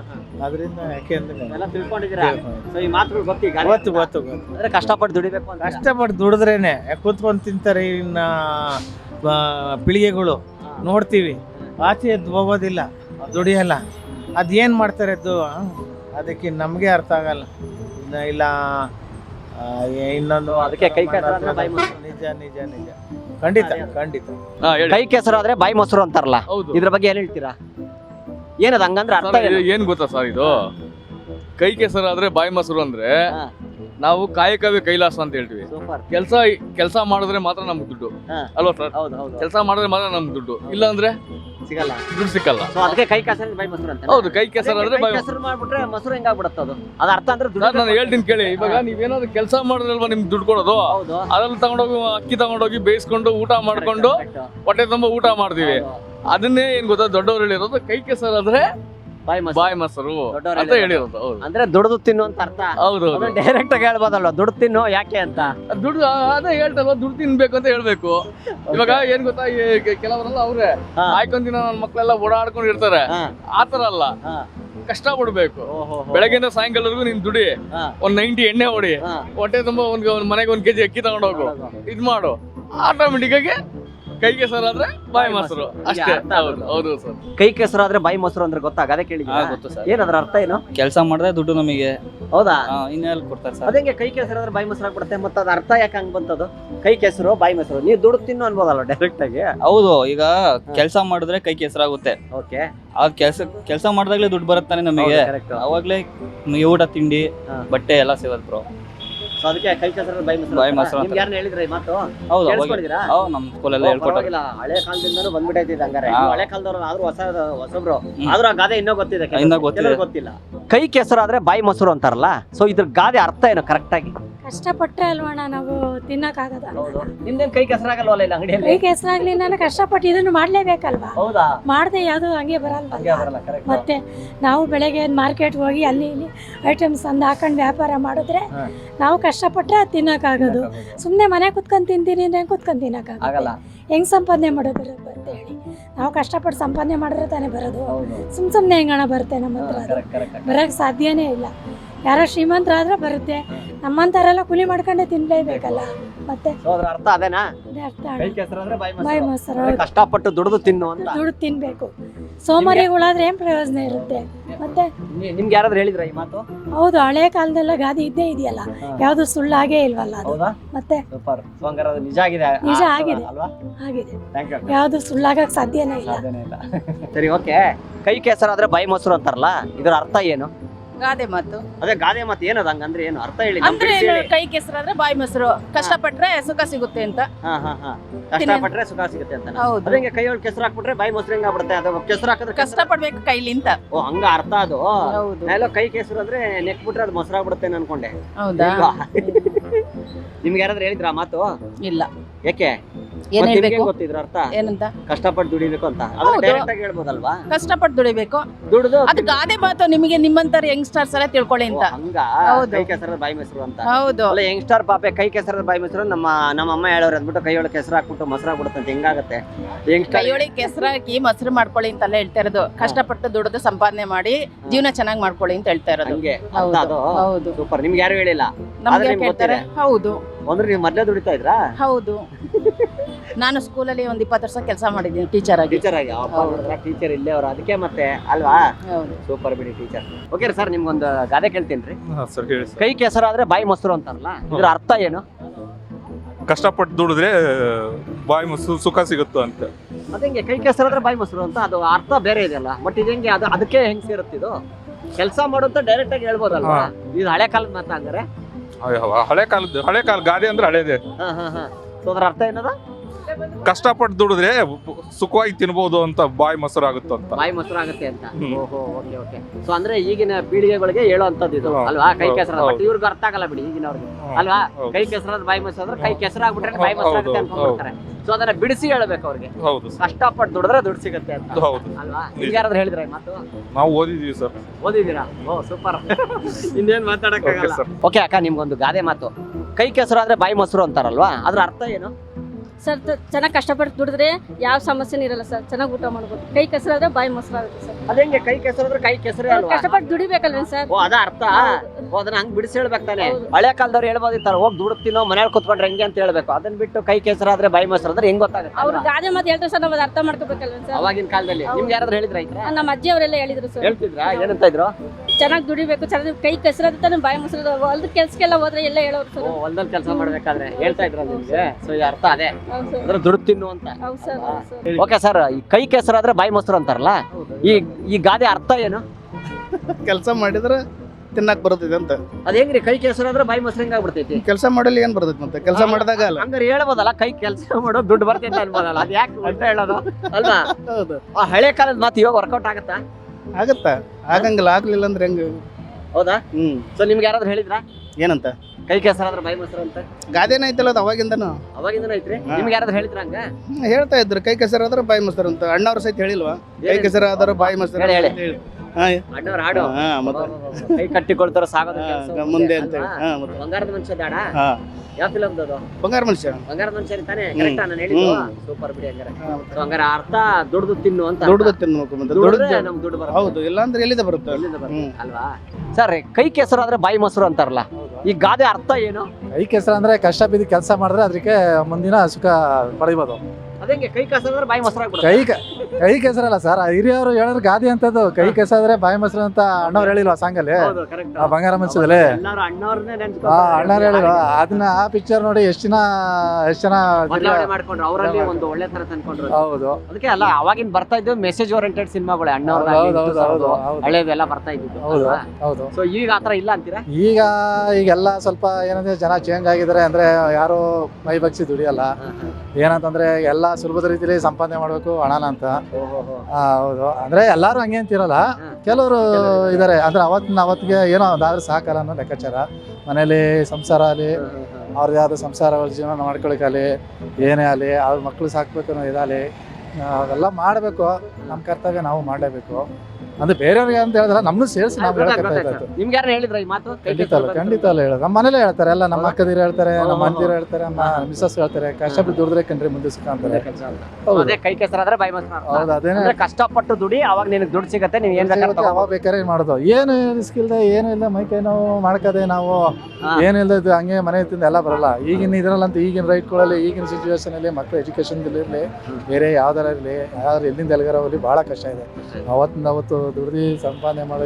Speaker 7: ಅದರಿಂದ ಯಾಕೆಂದ್ರೆ
Speaker 1: ಎಲ್ಲ ತಿಳ್ಕೊಂಡಿದ್ದೀರಾ ಸೊ ಈ ಮಾತುಗಳು ಗೊತ್ತಿ
Speaker 7: ಗೊತ್ತು
Speaker 1: ಅಂದ್ರೆ ಕಷ್ಟಪಟ್ಟು ದುಡಿಬೇಕು ಅಂತ
Speaker 7: ಕಷ್ಟಪಟ್ಟು ದುಡಿದ್ರೇನೆ ಕೂತ್ಕೊಂಡು ತಿಂತಾರೆ ಇನ್ನ ಪೀಳಿಗೆಗಳು ನೋಡ್ತೀವಿ, ಆಚೆ ಎದ್ದು ಹೋಗೋದಿಲ್ಲ, ದುಡಿಯಲ್ಲ. ಅದೇನು ಮಾಡ್ತಾರೆ ಎದ್ದು ಅದಕ್ಕೆ ನಮಗೆ ಅರ್ಥ ಆಗಲ್ಲ. ಇಲ್ಲ ಇನ್ನೊಂದು
Speaker 1: ಅದಕ್ಕೆ ಕೈ ಕೆಸರಾದ್ರೆ ಬಾಯಿ ಮೊಸರು.
Speaker 7: ನಿಜ ಖಂಡಿತ
Speaker 1: ಕೈ ಕೆಸರಾದ್ರೆ ಬಾಯಿ ಮೊಸರು ಅಂತಾರಲ್ಲ, ಇದ್ರ ಬಗ್ಗೆ ಏನ್ ಹೇಳ್ತೀರಾ? ಏನದ ಹಂಗಂದ್ರೆ ಅರ್ಥ ಏನು?
Speaker 8: ಏನ್ ಗೊತ್ತಾ ಸರ್, ಇದು ಕೈ ಕೆಸರಾದ್ರೆ ಬಾಯಿ ಮೊಸರು ಅಂದ್ರೆ ನಾವು ಕಾಯಕವೇ ಕೈಲಾಸ ಅಂತ ಹೇಳ್ತೀವಿ. ಕೆಲಸ ಮಾಡಿದ್ರೆ ಮಾತ್ರ ನಮ್ಗೆ ದುಡ್ಡು ಅಲ್ವಾ ಸರ್? ಕೆಲಸ ಮಾಡಿದ್ರೆ ಮಾತ್ರ ನಮ್ಗೆ ದುಡ್ಡು, ಇಲ್ಲ ಅಂದ್ರೆ
Speaker 1: ಸಿಗಲ್ಲ,
Speaker 8: ದುಡ್ಡು ಸಿಕ್ಕಲ್ಲ.
Speaker 1: ಅದಕ್ಕೆ ಕೈ ಕೆಸರಾದ್ರೆ ಬಾಯಿ ಮೊಸರು ಅಂತ.
Speaker 8: ಹೌದು, ಕೈ ಕೆಸರಾದ್ರೆ ಬಾಯಿ
Speaker 1: ಕೆಸರು ಮಾಡ್ಬಿಟ್ರೆ ಮೊಸರು ಹೆಂಗಾಗ್ಬಿಡುತ್ತೆ ಅದು? ಅದ ಅರ್ಥ ಅಂದ್ರೆ
Speaker 8: ಸರ್, ನಾನು ಹೇಳ್ತೀನಿ ಕೇಳಿ. ಇವಾಗ ನೀವೇನಾದ್ರು ಕೆಲಸ ಮಾಡಿದ್ರಲ್ವಾ ನಿಮ್ಗೆ ದುಡ್ಡು ಕೊಡೋದು, ಅದ್ರಲ್ಲಿ ತಗೊಂಡೋಗಿ ಅಕ್ಕಿ ತಗೊಂಡೋಗಿ ಬೇಯಿಸ್ಕೊಂಡು ಊಟ ಮಾಡ್ಕೊಂಡು ಹೊಟ್ಟೆ ತುಂಬಾ ಊಟ ಮಾಡ್ತೀವಿ. ಅದನ್ನೇ ಏನ್ ಗೊತ್ತಾ ದೊಡ್ಡವ್ರು ಹೇಳಿರೋದು, ಕೈ ಕೆಸರಾದ್ರೆ ಬಾಯಿ ಮೊಸರು ಅಂತ ಹೇಳಿರೋದು.
Speaker 1: ಅಂದ್ರೆ ದುಡ್ದು ತಿನ್ನು ಅಂತ ಅರ್ಥ.
Speaker 8: ಹೌದು,
Speaker 1: ಡೈರೆಕ್ಟ್ ಆಗಿ ಹೇಳ್ಬೋದಲ್ವಾ ದುಡ್ಡು ತಿನ್ನು ಯಾಕೆ ಅಂತ?
Speaker 8: ದುಡ್ಡು ಅದೇ ಹೇಳ್ತಲ್ವ, ದುಡ್ಡು ತಿನ್ಬೇಕು ಅಂತ ಹೇಳ್ಬೇಕು. ಇವಾಗ ಏನ್ ಗೊತ್ತಾ, ಕೆಲವರೆಲ್ಲ ಅವ್ರೆ ಆಯ್ಕೊಂದಿನ ನನ್ನ ಮಕ್ಳೆಲ್ಲ ಓಡಾಡ್ಕೊಂಡು ಇರ್ತಾರೆ. ಆತರ ಅಲ್ಲ, ಕಷ್ಟ ಪಡ್ಬೇಕು. ಬೆಳಗ್ಗೆಯಿಂದ ಸಾಯಂಕಾಲವರೆಗೂ ನೀನ್ ದುಡಿ, ಒಂದ್ 90 ಎಣ್ಣೆ ಹೊಡಿ, ಹೊಟ್ಟೆ ತುಂಬಾ ಒಂದ್ ಮನೆಗೆ 1 kg ಅಕ್ಕಿ ತಗೊಂಡೋಗು, ಇದ್ ಮಾಡು, ಆಟೋಮೆಟಿಕ್ ಆಗಿ ಕೈ ಕೆಸರಾದ್ರೆ ಬಾಯಿ ಮೊಸರು ಅಷ್ಟೇ. ಹೌದು ಸರ್.
Speaker 1: ಕೈ ಕೆಸರಾದ್ರೆ ಬಾಯಿ ಮೊಸರು ಅಂದ್ರೆ ಗೊತ್ತಾಗ ಅದೇ ಕೇಳಿ.
Speaker 9: ಗೊತ್ತು ಸರ್.
Speaker 1: ಏನದ್ರ ಅರ್ಥ ಏನು?
Speaker 9: ಕೆಲಸ ಮಾಡಿದ್ರೆ ದುಡ್ಡು ನಮಗೆ.
Speaker 1: ಹೌದಾ?
Speaker 9: ಇನ್ನೆಲ್ಲ ಕೊಡ್ತಾರೆ ಸರ್.
Speaker 1: ಅದಂಗೆ ಕೈ ಕೆಸರಾದ್ರೆ ಬಾಯಿ ಮೊಸರು ಆಗ್ಬಿಡುತ್ತೆ, ಮತ್ತೆ ಅದ ಅರ್ಥ ಯಾಕೆ ಹಂಗ್ ಬಂತದು? ಕೈ ಕೆಸರು ಬಾಯಿ ಮೊಸರು, ನೀವು ದುಡ್ಡು ತಿನ್ನು ಅನ್ಬೋದಲ್ಲ ಡೈರೆಕ್ಟ್ ಆಗಿ?
Speaker 9: ಹೌದು, ಈಗ ಕೆಲಸ ಮಾಡಿದ್ರೆ ಕೈ ಕೆಸರಾಗುತ್ತೆ.
Speaker 1: ಓಕೆ,
Speaker 9: ಆ ಕೆಲಸ ಮಾಡಿದಾಗ್ಲೇ ದುಡ್ಡು ಬರುತ್ತಾನೆ ನಮಗೆ, ಅವಾಗ್ಲೇ ನಮಗೆ ಊಟ ತಿಂಡಿ ಬಟ್ಟೆ ಎಲ್ಲ ಸಿಗೋದು ಬ್ರೋ.
Speaker 1: ಅದಕ್ಕೆ ಕೈ ಕೆಸರಾದ್ರೆ ಬಾಯಿ ಮೊಸರು ನಿಮ್ಗೆ ಯಾರನ್ನ ಹೇಳಿದ್ರೆ ಈ ಮಾತು?
Speaker 9: ಹೌದು,
Speaker 1: ಕೇಳಿಸ್ಕೊಂಡಿದ್ದೀರಾ?
Speaker 9: ನಮ್ಮ ಸ್ಕೂಲಲ್ಲಿ ಹೇಳ್ಕೊಟ್ಟಿಲ್ಲ.
Speaker 1: ಹಳೆ ಕಾಲದಿಂದನೂ ಬಂದ್ಬಿಟ್ಟೈತಿ ಹಂಗಾರೆ. ಹಳೆ ಕಾಲದವ್ರು ಆದ್ರೂ ಹೊಸಬ್ರು ಆದ್ರೂ ಆ ಗಾದೆ ಇನ್ನೂ ಗೊತ್ತಿದೆ, ಗೊತ್ತಿಲ್ಲ. ಕೈ ಕೆಸರಾದ್ರೆ ಬಾಯಿ ಮೊಸರು ಅಂತಾರಲ್ಲ, ಸೊ ಇದ್ರ ಗಾದೆ ಅರ್ಥ ಏನು ಕರೆಕ್ಟ್ ಆಗಿ?
Speaker 10: ಕಷ್ಟಪಟ್ಟರೆ ಅಲ್ವಣ ನಾವು ತಿನ್ನಕ್ಕಾಗದ.
Speaker 1: ನಿಮ್ದೇನ್ ಕೈ ಕೆಸರಾಗಲ್ವಲ್ಲ ಇಲ್ಲ ಅಂಗಡಿಯಲ್ಲಿ?
Speaker 10: ಕೈ ಕೆಸರಾಗ್ಲಿ, ನಾನು ಕಷ್ಟಪಟ್ಟು ಇದನ್ನು ಮಾಡ್ಲೇಬೇಕಲ್ವಾ?
Speaker 1: ಹೌದಾ?
Speaker 10: ಮಾಡದೆ ಯಾವುದು ಹಂಗೆ ಬರಲ್ಲ. ಮತ್ತೆ ನಾವು ಬೆಳಗ್ಗೆ ಮಾರ್ಕೆಟ್ ಹೋಗಿ ಅಲ್ಲಿ ಇಲ್ಲಿ ಐಟಮ್ಸ್ ತಂದು ಹಾಕೊಂಡು ವ್ಯಾಪಾರ ಮಾಡಿದ್ರೆ ನಾವು ಕಷ್ಟಪಟ್ಟರೆ ಅದು ತಿನ್ನಕ್ಕಾಗೋದು. ಸುಮ್ಮನೆ ಮನೆ ಕುತ್ಕೊಂಡು ತಿಂತೀನಿ ಅಂದ್ರೆ ಕುತ್ಕೊಂಡು ತಿನ್ನಕ್ಕಾಗಲ್ಲ. ಹೆಂಗ್ ಸಂಪಾದನೆ ಮಾಡೋದು ಅಂತ ಹೇಳಿ, ನಾವು ಕಷ್ಟಪಟ್ಟು ಸಂಪಾದನೆ ಮಾಡಿದ್ರೆ ತಾನೇ ಬರೋದು. ಸುಮ್ಮನೆ ಹೆಂಗಣ ಬರುತ್ತೆ ನಮ್ಮ ಹತ್ರ? ಬರೋಕ್ಕೆ ಸಾಧ್ಯನೇ ಇಲ್ಲ. ಯಾರೋ ಶ್ರೀಮಂತರಾದ್ರೆ ಬರುತ್ತೆ, ನಮ್ಮಂತಾರೆಲ್ಲ ಕೂಲಿ ಮಾಡ್ಕೊಂಡೆ ತಿನ್ಲೇಬೇಕಲ್ಲ. ಮತ್ತೆ
Speaker 1: ಅರ್ಥ ಅದೇನಾ?
Speaker 10: ಬಾಯಿ ಮೊಸರು
Speaker 1: ಕಷ್ಟಪಟ್ಟು ದುಡಿದು ತಿನ್ನು ಅಂತ.
Speaker 10: ದುಡ್ಡು ತಿನ್ಬೇಕು. ಸೋಮಾರಿಗಳಾದ್ರೆ ಏನ್ ಪ್ರಯೋಜನ ಇರುತ್ತೆ? ಮತ್ತೆ
Speaker 1: ನಿಮ್ಗೆ ಯಾರಾದ್ರೂ ಹೇಳಿದ್ರ ಈ ಮಾತು?
Speaker 10: ಹೌದು, ಹಳೆ ಕಾಲದೆಲ್ಲ ಗಾದೆ ಇದ್ದೇ ಇದೆಯಲ್ಲ, ಯಾವ್ದು ಸುಳ್ಳಾಗೇ ಇಲ್ವಲ್ಲ ಅದು. ಮತ್ತೆ
Speaker 1: ನಿಜ ಆಗಿದೆ,
Speaker 10: ನಿಜ ಆಗಿದೆ, ಯಾವ್ದು ಸುಳ್ಳಾಗಕ್ ಸಾಧ್ಯನೇ ಇಲ್ಲ.
Speaker 1: ಸರಿ, ಓಕೆ. ಕೈ ಕೆಸರಾದ್ರೆ ಬಾಯಿ ಮೊಸರು ಅಂತಾರಲ್ಲ, ಇದ್ರ ಅರ್ಥ ಏನು?
Speaker 2: ಗಾದೆ ಮಾತು.
Speaker 1: ಅದೇ ಗಾದೆ ಮಾತು ಏನದ ಹಂಗಂದ್ರೆ ಏನು ಅರ್ಥ ಹೇಳಿ?
Speaker 2: ಅಂದ್ರೆ ಕೈ ಕೆಸರಾದ್ರೆ ಬಾಯಿ ಮೊಸರು, ಕಷ್ಟಪಟ್ರೆ ಸುಖ ಸಿಗುತ್ತೆ ಅಂತ.
Speaker 1: ಕಷ್ಟಪಟ್ರೆ ಸುಖ ಸಿಗುತ್ತೆ ಅಂತ. ಅದಂಗೆ ಕೈ ಒಳಗೆ ಕೆಸರು ಹಾಕ್ಬಿಟ್ರೆ ಬಾಯಿ ಮೊಸರು ಹೆಂಗ್ ಆಗ್ಬಿಡುತ್ತೆ? ಅದು ಕೆಸರು ಹಾಕಿದ್ರೆ
Speaker 2: ಕಷ್ಟಪಡ್ಬೇಕು ಕೈಲಿ ಅಂತ.
Speaker 1: ಓ, ಹಂಗ ಅರ್ಥ ಅದು. ಎಲ್ಲ ಕೈ ಕೆಸರು ಅಂದ್ರೆ ನೆಕ್ಬಿಟ್ರೆ ಅದು ಮೊಸರು ಆಗ್ಬಿಡುತ್ತೆ ಅನ್ಕೊಂಡೆ.
Speaker 2: ಹೌದಾ?
Speaker 1: ನಿಮ್ಗೆ ಯಾರಾದ್ರೂ ಹೇಳಿದ್ರ ಆ ಮಾತು?
Speaker 2: ಇಲ್ಲ.
Speaker 1: ಯಾಕೆ?
Speaker 2: ಏನ್ ಹೇಳ್ಬೇಕು?
Speaker 1: ಗೊತ್ತಿದ್ರ ಅರ್ಥ
Speaker 2: ಏನಂತ?
Speaker 1: ಕಷ್ಟಪಟ್ಟು ದುಡಿಬೇಕು ಅಂತ. ಡೈರೆಕ್ಟ್ ಆಗಿ ಹೇಳ್ಬೋದಲ್ವಾ?
Speaker 2: ಕಷ್ಟಪಟ್ಟು ದುಡಿಬೇಕು,
Speaker 1: ದುಡಿದು
Speaker 2: ಅದು ಗಾದೆ ಮಾತು. ನಿಮಗೆ ನಿಮ್ಮಂತರ ಯಂಗ್ಸ್ಟರ್ಸ್ ಎಲ್ಲ ತಿಳ್ಕೊಳ್ಳಿ ಅಂತ.
Speaker 1: ಹಂಗ ಕೈ ಕೆಸರದ ಬಾಯಿ ಮೊಸರು ಅಂತ.
Speaker 2: ಹೌದು.
Speaker 1: ಅಲ್ಲ, ಯಂಗ್ಸ್ಟರ್ ಪಾಪೆ ಕೈ ಕೆಸರದ ಬಾಯಿ ಮೊಸರು ನಮ್ಮ ಅಮ್ಮ ಹೇಳೋರು ಅಂದ್ಬಿಟ್ಟು ಕೈ ಒಳಗೆ ಕೆಸರು ಹಾಕ್ಬಿಟ್ಟು ಮೊಸರು ಆಗ್ಬಿಡುತ್ತೆ ಅಂತ. ಹೆಂಗಾಗತ್ತೆ?
Speaker 2: ಕೈಯೊಳಗೆ ಕೆಸರು ಹಾಕಿ ಮೊಸರು ಮಾಡ್ಕೊಳ್ಳಿ ಅಂತೆಲ್ಲ ಹೇಳ್ತಾ ಇರೋದು. ಕಷ್ಟಪಟ್ಟು ದುಡಿದು ಸಂಪಾದನೆ ಮಾಡಿ ಜೀವನ ಚೆನ್ನಾಗಿ ಮಾಡ್ಕೊಳ್ಳಿ ಅಂತ ಹೇಳ್ತಾ ಇರೋದು. ಹೌದು.
Speaker 1: ಸೂಪರ್. ನಿಮ್ಗೆ ಯಾರು ಹೇಳಿಲ್ಲ?
Speaker 2: ನಮ್ಗೆ ಹೇಳ್ತಾರೆ. ಹೌದು.
Speaker 1: ಅಂದ್ರೆ ನೀವು ಮೊದ್ಲೇ ದುಡಿತಾ ಇದ್ರಾ?
Speaker 2: ಹೌದು. ನಾನು ಸ್ಕೂಲಲ್ಲಿ ಒಂದು 20 ವರ್ಷ ಕೆಲಸ ಮಾಡಿದ್ದೀನಿ ಟೀಚರ್ ಆಗಿ.
Speaker 1: ಟೀಚರ್ ಇಲ್ಲೇ ಅವರು, ಅದಕ್ಕೆ ಮತ್ತೆ ಅಲ್ವಾ? ಸೂಪರ್ ಬಿಡಿ ಟೀಚರ್. ಓಕೆ ಸರ್, ನಿಮ್ಗೊಂದು ಗಾದೆ ಕೇಳ್ತೀನಿ. ಕೈ ಕೆಸರಾದ್ರೆ ಬಾಯಿ ಮೊಸರು ಅಂತಾರಲ್ಲ, ಇದ್ರ ಅರ್ಥ ಏನು?
Speaker 11: ಕಷ್ಟಪಟ್ಟು ದುಡಿದ್ರೆ ಬಾಯಿ ಮೊಸರು ಸುಖ ಸಿಗುತ್ತೋ ಅಂತ.
Speaker 1: ಅದಂಗೆ ಕೈ ಕೆಸರಾದ್ರೆ ಬಾಯಿ ಮೊಸರು ಅಂತ, ಅದು ಅರ್ಥ ಬೇರೆ ಇದೆಯಲ್ಲ. ಬಟ್ ಇದಂಗೆ ಅದಕ್ಕೆ ಹೆಂಗ್ ಸೇರುತ್ತೆ ಇದು? ಕೆಲಸ ಮಾಡುತ್ತ ಡೈರೆಕ್ಟ್ ಆಗಿ ಹೇಳ್ಬೋದಲ್ವಾ? ಇದು ಹಳೆ ಕಾಲದ ಮಾತ್ರ ಹಂಗಾರೆ?
Speaker 11: ಹಳೆ ಕಾಲ ಗಾದೆ ಅಂದ್ರೆ ಹಳೇದೆ.
Speaker 1: ಸೊ ಅದ್ರ ಅರ್ಥ ಏನದ?
Speaker 11: ಕಷ್ಟಪಟ್ಟು ದುಡಿದ್ರೆ ಸುಖವಾಗಿ ತಿನ್ಬಹುದು ಅಂತ, ಬಾಯಿ ಮೊಸರು ಆಗುತ್ತೆ ಅಂತ.
Speaker 1: ಬಾಯಿ ಮೊಸರು ಆಗುತ್ತೆ ಅಂತ. ಓಹೋ, ಓಕೆ ಓಕೆ. ಸೊ ಅಂದ್ರೆ ಈಗಿನ ಪೀಳಿಗೆಗಳಿಗೆ ಹೇಳುವಂತದ್ದು ಇದು ಅಲ್ವಾ? ಕೈ ಕೆಸರ. ಬಟ್ ಇವ್ರಿಗೆ ಅರ್ಥ ಆಗಲ್ಲ ಬಿಡಿ ಈಗಿನವ್ರಿಗೆ, ಅಲ್ವಾ? ಕೈ ಕೆಸರಾದ ಬಾಯಿ ಮೊಸರು ಅಂದ್ರೆ ಕೈ ಕೆಸರಾಗ್ಬಿಟ್ರೆ ಬಾಯಿ ಮೊಸರು ಆಗುತ್ತೆ ಅನ್ಕೊಂಡ್ಬಿಡ್ತಾರೆ. ಸೊ ಅದನ್ನ ಬಿಡಿಸಿ ಹೇಳ್ಬೇಕು ಅವ್ರಿಗೆ.
Speaker 11: ಹೌದು,
Speaker 1: ಕಷ್ಟಪಟ್ಟು ದುಡಿದ್ರೆ ದುಡ್ಡು ಸಿಗುತ್ತೆ ಅಂತ.
Speaker 11: ಹೌದು
Speaker 1: ಅಲ್ವಾ? ನಿಮ್ಗೆ ಯಾರಾದ್ರೂ ಹೇಳಿದ್ರೆ ಮಾತು?
Speaker 11: ನಾವು ಓದಿದೀವಿ ಸರ್.
Speaker 1: ಓದಿದ್ದೀರಾ? ಓ, ಸೂಪರ್. ಇನ್ನೇನ್ ಮಾತಾಡಕ್ಕಾಗಲ್ಲ. ಓಕೆ ಅಕ್ಕ, ನಿಮ್ಗೊಂದು ಗಾದೆ ಮಾತು. ಕೈ ಕೆಸರಾದ್ರೆ ಬಾಯಿ ಮೊಸರು ಅಂತಾರಲ್ವಾ, ಅದ್ರ ಅರ್ಥ ಏನು?
Speaker 10: ಸರ್ ಚೆನ್ನಾಗಿ ಕಷ್ಟಪಟ್ಟು ದುಡಿದ್ರೆ ಯಾವ ಸಮಸ್ಯೆನೂ ಇರಲ್ಲ ಸರ್. ಚೆನ್ನಾಗಿ ಊಟ ಮಾಡ್ಬೋದು. ಕೈ ಕೆಸರಾದ್ರೆ ಬಾಯಿ ಮೊಸರಾಗುತ್ತೆ ಸರ್.
Speaker 1: ಅದೇಂಗೆ ಕೈ ಕೆಸರಾದ್ರೆ ಕೈ ಕೆಸರೇ ಅಲ್ವಾ?
Speaker 10: ಕಷ್ಟಪಟ್ಟು ದುಡಿಬೇಕಲ್ವೇನ್ ಸರ್?
Speaker 1: ಓ ಅದ ಅರ್ಥ. ಓ ಅದನ್ನ ಹಂಗ್ ಬಿಡಿಸಿ ಹೇಳ್ಬೇಕು ತಾನೆ. ಹಳೆ ಕಾಲದವ್ರು ಹೇಳ್ಬೋದಿತ್ತಲ್ಲ, ಹೋಗಿ ದುಡುಕ್ತಿನೋ ಮನೇಲಿ ಕುತ್ಕೊಂಡ್ರೆ ಹೆಂಗೆ ಅಂತ ಹೇಳ್ಬೇಕು. ಅದನ್ನ ಬಿಟ್ಟು ಕೈ ಕೆಸರಾದ್ರೆ ಬಾಯಿ ಮೊಸರಾದ್ರೆ ಹೆಂಗ್ ಗೊತ್ತಾಗುತ್ತೆ?
Speaker 10: ಅವ್ರು ಗಾದೆ ಮಾತು ಹೇಳ್ತಾರೆ ಸರ್, ನಾವು ಅದು ಅರ್ಥ ಮಾಡ್ಕೋಬೇಕಲ್ವೇನ್ ಸರ್?
Speaker 1: ಅವಾಗಿನ ಕಾಲದಲ್ಲಿ ನಿಮ್ಗೆ ಯಾರಾದ್ರೂ ಹೇಳಿದ್ರ?
Speaker 10: ನಮ್ಮ ಅಜ್ಜಿ ಅವರೆಲ್ಲ ಹೇಳಿದ್ರು ಸರ್.
Speaker 1: ಹೇಳ್ತಿದ್ರಾ? ಏನಂತ ಇದ್ರು?
Speaker 10: ಚೆನ್ನಾಗಿ ದುಡಿಬೇಕು, ಚೆನ್ನಾಗಿ ಕೈ ಕೆಸರಾದ್ರೆ ಬಾಯಿ ಮೊಸರು. ಹೊಲ್ದ ಕೆಲ್ಸಕ್ಕೆಲ್ಲ ಹೋದ್ರೆ ಎಲ್ಲ ಹೇಳೋರು ಸರ್.
Speaker 1: ಹೊಲದಲ್ಲಿ ಕೆಲಸ ಮಾಡ್ಬೇಕಾದ್ರೆ ಹೇಳ್ತಾ ಇದ್ರ ನಿಮ್ಗೆ? ಸೊ ಈ ಅರ್ಥ ಅದೇ
Speaker 10: ಹೌದು ಸರ್.
Speaker 1: ಅಂದ್ರೆ ದುಡ್ಡು ತಿನ್ನು ಅಂತ.
Speaker 10: ಹೌದು ಸರ್, ಹೌದು ಸರ್.
Speaker 1: ಓಕೆ ಸರ್, ಈ ಕೈ ಕೆಸರಾದ್ರೆ ಬಾಯಿ ಮೊಸರು ಅಂತಾರಲ್ಲ, ಈ ಗಾದೆ ಅರ್ಥ ಏನು?
Speaker 3: ಕೆಲಸ ಮಾಡಿದ್ರೆ ತಿನ್ನಕ್ ಬರ್ತೈತಿ ಅಂತ.
Speaker 1: ಅದ್ ಹೆಂಗ್ರಿ ಕೈ ಕೆಸರಾದ್ರೆ ಬಾಯಿ ಮೊಸರು ಹೆಂಗಾಗ್ಬಿಡ್ತೈತಿ?
Speaker 3: ಕೆಲಸ ಮಾಡಲಿ ಏನ್ ಬರ್ತೈತಿ ಮತ್ತೆ ಕೆಲಸ ಮಾಡಿದಾಗ ಅಲ್ಲ.
Speaker 1: ಹಂಗಾರೆ ಹೇಳ್ಬೋದಲ್ಲ, ಕೈ ಕೆಲಸ ಮಾಡೋ ದುಡ್ಡು ಬರ್ತೈತೆ ಅನ್ಬೋದಲ್ಲ, ಅದ್ ಯಾಕೆ ಅಂತ ಹೇಳೋದು ಅಲ್ವಾ?
Speaker 3: ಹೌದು,
Speaker 1: ಆ ಹಳೆ ಕಾಲದ ಮಾತು ಇವಾಗ ವರ್ಕೌಟ್ ಆಗತ್ತಾ?
Speaker 3: ಆಗತ್ತ. ಆಗಂಗಿಲ್ಲ, ಆಗ್ಲಿಲ್ಲ ಅಂದ್ರೆ ಹೆಂಗ?
Speaker 1: ಹೌದಾ? ಸೊ ನಿಮ್ಗೆ ಯಾರಾದ್ರೂ ಹೇಳಿದ್ರಾ
Speaker 3: ಏನಂತ?
Speaker 1: ಕೈ ಕೆಸರಾದ್ರೆ ಬಾಯಿ ಮೊಸರು ಅಂತ?
Speaker 3: ಗಾದೆನ ಐತಲ್ಲ ಅದು ಅವಾಗಿಂದನು.
Speaker 1: ಅವಾಗಿಂದನೂ ಐತ್ರಿ? ನಿಮ್ಗೆ ಯಾರಾದ್ರೂ ಹೇಳಿದ್ರ ಹಂಗ?
Speaker 3: ಹೇಳ್ತಾ ಇದ್ರು ಕೈ ಕೆಸರಾದ್ರೆ ಬಾಯಿ ಮೊಸರು ಅಂತ. ಅಣ್ಣವ್ರ ಸಹಿತ ಹೇಳಿಲ್ವಾ? ಕೈ ಕೆಸರಾದ್ರೆ ಬಾಯಿ ಮೊಸರು
Speaker 1: ಹೇಳಿ,
Speaker 3: ಅಂತ ಹೇಳಿ. ಹಾ,
Speaker 1: ಅಣ್ಣವ್ರ ಹಾಡು
Speaker 3: ಹಾ, ಮತ್ತೆ
Speaker 1: ಕೈ ಕಟ್ಟಿಕೊಳ್ತಾರ ಸಾಗೋದು ಕೆಲ್ಸ
Speaker 3: ಮುಂದೆ ಅಂತ ಹೇಳಿ. ಹಾ, ಮತ್ತೆ
Speaker 1: ಬಂಗಾರದ ಮನುಷ್ಯ ದಾಡ
Speaker 3: ಹಾ,
Speaker 1: ಯಾವ ಫಿಲಮ್ ಅದು?
Speaker 3: ಬಂಗಾರ ಮನುಷ್ಯ.
Speaker 1: ಬಂಗಾರದ ಮನುಷ್ಯ ತಾನೇ? ಕರೆಕ್ಟ್ ನಾನು ಹೇಳಿದ್ದು? ಸೂಪರ್ ಬಿಡಿ. ಹಂಗಾರೆ ಸೊ ಹಂಗಾರೆ ಅರ್ಥ ದುಡ್ದು ತಿನ್ನು ಅಂತ.
Speaker 3: ದುಡ್ದು ತಿನ್ಬೇಕು ಮತ್ತೆ.
Speaker 1: ದುಡ್ದ್ರೆ ನಮ್ ದುಡ್ಡು ಬರುತ್ತೆ.
Speaker 3: ಹೌದು, ಇಲ್ಲ ಅಂದ್ರೆ ಎಲ್ಲಿಂದ ಬರುತ್ತೆ?
Speaker 1: ಎಲ್ಲಿಂದ ಬರುತ್ತೆ ಅಲ್ವಾ? ಸರ್, ಕೈ ಕೆಸರಾದ್ರೆ ಬಾಯಿ ಮೊಸರು ಅಂತಾರಲ್ಲ, ಈ ಗಾದೆ ಅರ್ಥ ಏನು?
Speaker 7: ಕೈ ಕೆಸರು ಅಂದ್ರೆ ಕಷ್ಟ ಬಿದ್ದು ಕೆಲಸ ಮಾಡಿದ್ರೆ ಅದಕ್ಕೆ ಮುಂದಿನ ಸುಖ ಪಡಿಬೋದು.
Speaker 1: ಅದೇಂಗೆ ಕೈ ಕೆಸರಾದ್ರೆ ಬಾಯಿ ಮೊಸರು ಆಗ್ಬಿಡುತ್ತೆ?
Speaker 7: ಕೈ ಕೆಸರಲ್ಲ ಸರ್, ಹಿರಿಯವರು ಹೇಳಿದ್ರೆ ಗಾದೆ ಅಂತದ್ದು. ಕೈ ಕೆಸರಾದ್ರೆ ಬಾಯಿ ಮೊಸರು ಅಂತ ಅಣ್ಣವ್ರು ಹೇಳಿಲ್ವಾ ಸಾಂಗಲ್ಲಿ?
Speaker 1: ಹೌದು, ಕರೆಕ್ಟ್.
Speaker 7: ಆ ಬಂಗಾರ ಮನ್ಸದಲ್ಲಿ
Speaker 1: ಎಲ್ಲರೂ ಅಣ್ಣವ್ರನ್ನೇ
Speaker 7: ಅಣ್ಣವ್ರು ಹೇಳಿಲ್ವಾ? ಅದನ್ನ ಆ ಪಿಕ್ಚರ್ ನೋಡಿ ಎಷ್ಟು ಜನ
Speaker 1: ಬದಲಾವಣೆ ಮಾಡ್ಕೊಂಡ್ರು, ಅವರಲ್ಲಿ ಒಂದು ಒಳ್ಳೆ ತರ ತಂದ್ಕೊಂಡ್ರು.
Speaker 7: ಹೌದು.
Speaker 1: ಅದಕ್ಕೆ ಅಲ್ಲ, ಅವಾಗಿನ ಬರ್ತಾ ಇದ್ದು ಮೆಸೇಜ್ ಓರಿಯೆಂಟೆಡ್ ಸಿನಿಮಾಗಳು, ಅಣ್ಣವ್ರ ಹಳೇದೆಲ್ಲ ಬರ್ತಾ ಇದ್ದು.
Speaker 7: ಹೌದು, ಹೌದು.
Speaker 1: ಸೊ ಈಗ ಆತರ ಇಲ್ಲ ಅಂತೀರಾ?
Speaker 7: ಈಗೆಲ್ಲ ಸ್ವಲ್ಪ ಏನಂದ್ರೆ ಜನ ಚೇಂಜ್ ಆಗಿದ್ದಾರೆ. ಅಂದ್ರೆ ಯಾರು ಮೈ ಬಗ್ಸಿ ದುಡಿಯಲ್ಲ. ಏನಂತಂದ್ರೆ ಎಲ್ಲ ಸುಲಭದ ರೀತಿಲಿ ಸಂಪಾದನೆ ಮಾಡ್ಬೇಕು ಹಣನ ಅಂತ. ಹೌದು, ಅಂದ್ರೆ ಎಲ್ಲಾರು ಹಂಗೆ ಅಂತಿರಲ್ಲ, ಕೆಲವರು ಇದಾರೆ. ಅಂದ್ರೆ ಅವತ್ತಿಗೆ ಏನೋ ಒಂದಾದ್ರೆ ಸಾಕಲ್ಲ ಅನ್ನೋ ಲೆಕ್ಕಾಚಾರ. ಮನೇಲಿ ಸಂಸಾರ ಆಗಲಿ, ಅವ್ರದ್ದು ಯಾವ್ದು ಸಂಸಾರ ಜೀವನ ಮಾಡ್ಕೊಳಕಾಗಲಿ, ಏನೇ ಆಗಲಿ, ಅವ್ರ ಮಕ್ಳು ಸಾಕ್ಬೇಕು ಅನ್ನೋ ಇದಾಗಲಿ, ಅವೆಲ್ಲ ಮಾಡಬೇಕು. ನಮ್ಮ ಕರ್ತವ್ಯ ನಾವು ಮಾಡಲೇಬೇಕು. ಅಂದ್ರೆ ಬೇರೆಯವ್ರಿಗೆ ಅಂತ ಹೇಳಿದ್ರೆ ನಮ್ಮನ್ನು ಸೇರಿಸಿ ನಾವು ಹೇಳಕ್ಕಾಗ್ತದೆ.
Speaker 1: ನಿಮ್ಗೆ ಯಾರು ಹೇಳಿದ್ರ ಈ ಮಾತು?
Speaker 7: ಖಂಡಿತ ಹೇಳೋದು. ನಮ್ಮ ಮನೇಲೆ ಹೇಳ್ತಾರೆ, ಎಲ್ಲ ನಮ್ಮ ಅಕ್ಕದಿರು ಹೇಳ್ತಾರೆ, ನಮ್ಮ ಅಣ್ಣದಿರು ಹೇಳ್ತಾರೆ, ನಮ್ಮ ಮಿಸಸ್ ಹೇಳ್ತಾರೆ, ಕಷ್ಟಪಟ್ಟು ದುಡಿದ್ರೆ ಕಂಡ್ರಿ ಮುಂದೆ ಸಿಕ್ಕ ಅಂತಾರೆ.
Speaker 1: ಅದೇ ಕೈ ಕೆಸರಾದ್ರೆ ಬಾಯಿ ಮೊಸರು.
Speaker 7: ಹೌದು, ಅದೇನೇ.
Speaker 1: ಕಷ್ಟಪಟ್ಟು ದುಡಿ, ಅವಾಗ ನಿನಗೆ ದುಡ್ಡು ಸಿಗತ್ತೆ, ನೀವ್ ಏನ್ ಬೇಕಾದ್ರೆ
Speaker 7: ಅವಾಗ ಬೇಕಾದ್ರೆ ಮಾಡೋದು. ಏನು ರಿಸ್ಕ್ ಇಲ್ಲದೆ, ಏನು ಇಲ್ಲ, ಮೈ ಕೈ ನಾವು ಮಾಡ್ಕದೆ, ನಾವು ಏನಿಲ್ಲದ ಹಂಗೆ ಮನೆ ತಿಂದ ಎಲ್ಲ ಬರಲ್ಲ. ಈಗಿನ ಇದ್ರಲ್ಲಂತೂ, ಈಗಿನ ರೈಟ್ಗಳಲ್ಲಿ, ಈಗಿನ ಸಿಚುವೇಶನ್ ಅಲ್ಲಿ ಮಕ್ಕಳು ಎಜುಕೇಶನ್ ಇರಲಿ, ಬೇರೆ ಯಾವ್ದಾರ ಇರಲಿ, ಯಾರು ಎಲ್ಲಿಂದ ಎಲ್ಲಿಗಾರ ಹೋಗ್ಲಿ, ಭಾಳ ಕಷ್ಟ ಇದೆ. ಅವತ್ತು ದುಡ್ದು ಸಂಪಾದನೆ ಮಾಡಿ